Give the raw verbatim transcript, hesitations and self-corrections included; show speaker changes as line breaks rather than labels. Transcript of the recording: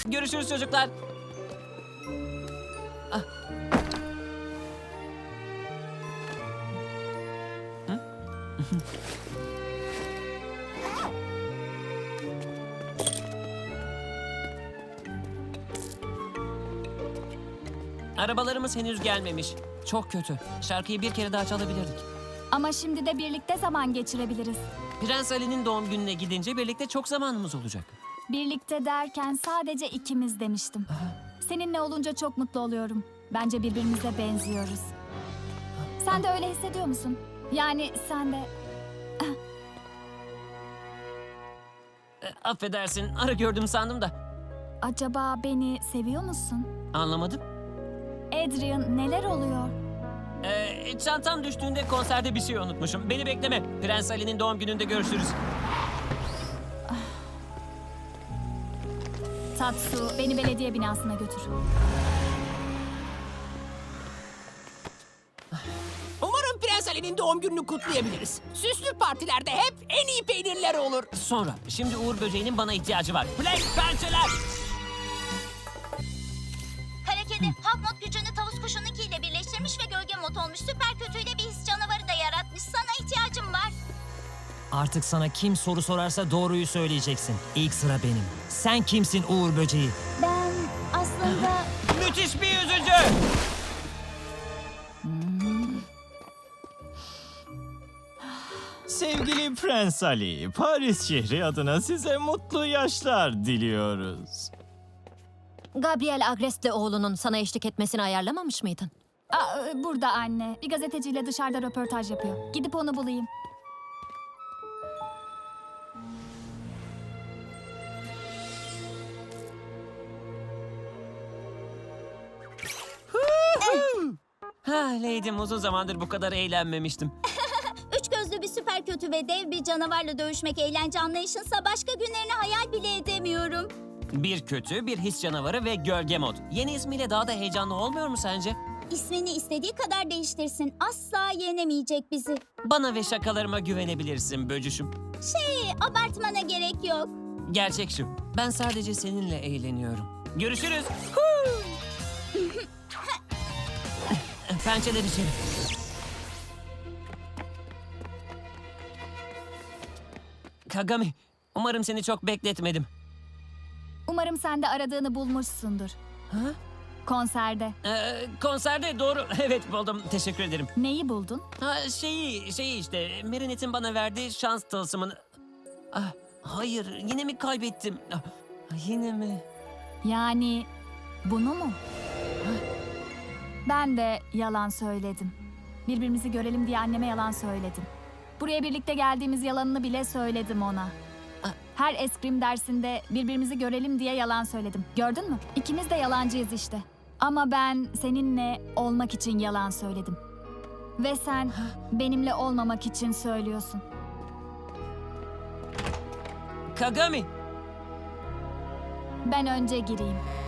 Görüşürüz çocuklar. Ah. Hı? Arabalarımız henüz gelmemiş. Çok kötü. Şarkıyı bir kere daha çalabilirdik.
Ama şimdi de birlikte zaman geçirebiliriz.
Prens Ali'nin doğum gününe gidince birlikte çok zamanımız olacak.
Birlikte derken sadece ikimiz demiştim. Seninle olunca çok mutlu oluyorum. Bence birbirimize benziyoruz. Sen de öyle hissediyor musun? Yani sen de...
E, affedersin, ara gördüm sandım da.
Acaba beni seviyor musun?
Anlamadım.
Adrian, neler oluyor?
E, çantam düştüğünde konserde bir şey unutmuşum. Beni bekleme. Prens Ali'nin doğum gününde görüşürüz.
Tatsu, beni belediye binasına götür.
Umarım Prens Ali'nin doğum gününü kutlayabiliriz. Süslü partilerde hep en iyi peynirler olur.
Sonra, şimdi Uğur Böceği'nin bana ihtiyacı var. Play pençeler!
Kara kedi hak mod gücünü tavus kuşununkiyle birleştirmiş ve gölge mod olmuş. Süper kötüyle bir his canavarı da yaratmış. Sana ihtiyacım var.
Artık sana kim soru sorarsa doğruyu söyleyeceksin. İlk sıra benim. Sen kimsin Uğur Böceği?
Ben aslında...
Müthiş bir yüzücü!
Sevgili Prens Ali, Paris şehri adına size mutlu yaşlar diliyoruz.
Gabriel Agrest'le oğlunun sana eşlik etmesini ayarlamamış mıydın?
Aa, burada anne. Bir gazeteciyle dışarıda röportaj yapıyor. Gidip onu bulayım.
Ha Lady'm, uzun zamandır bu kadar eğlenmemiştim.
Üç gözlü bir süper kötü ve dev bir canavarla dövüşmek eğlence anlayışınsa başka günlerini hayal bile edemiyorum.
Bir kötü, bir his canavarı ve gölge mod. Yeni ismiyle daha da heyecanlı olmuyor mu sence?
İsmini istediği kadar değiştirsin. Asla yenemeyecek bizi.
Bana ve şakalarıma güvenebilirsin böcüşüm.
Şey, abartmana gerek yok.
Gerçek şu, ben sadece seninle eğleniyorum. Görüşürüz. Pençeler içeri. Kagami, umarım seni çok bekletmedim.
Umarım sen de aradığını bulmuşsundur.
Ha?
Konserde.
Ee, konserde doğru. Evet buldum. Teşekkür ederim.
Neyi buldun?
Ha şeyi, şeyi işte. Marinette'in bana verdiği şans tılsımını. Ah, hayır, yine mi kaybettim? Ah, yine mi?
Yani bunu mu? Ben de yalan söyledim. Birbirimizi görelim diye anneme yalan söyledim. Buraya birlikte geldiğimiz yalanını bile söyledim ona. Her eskrim dersinde birbirimizi görelim diye yalan söyledim. Gördün mü? İkimiz de yalancıyız işte. Ama ben seninle olmak için yalan söyledim. Ve sen benimle olmamak için söylüyorsun.
Kagami.
Ben önce gireyim.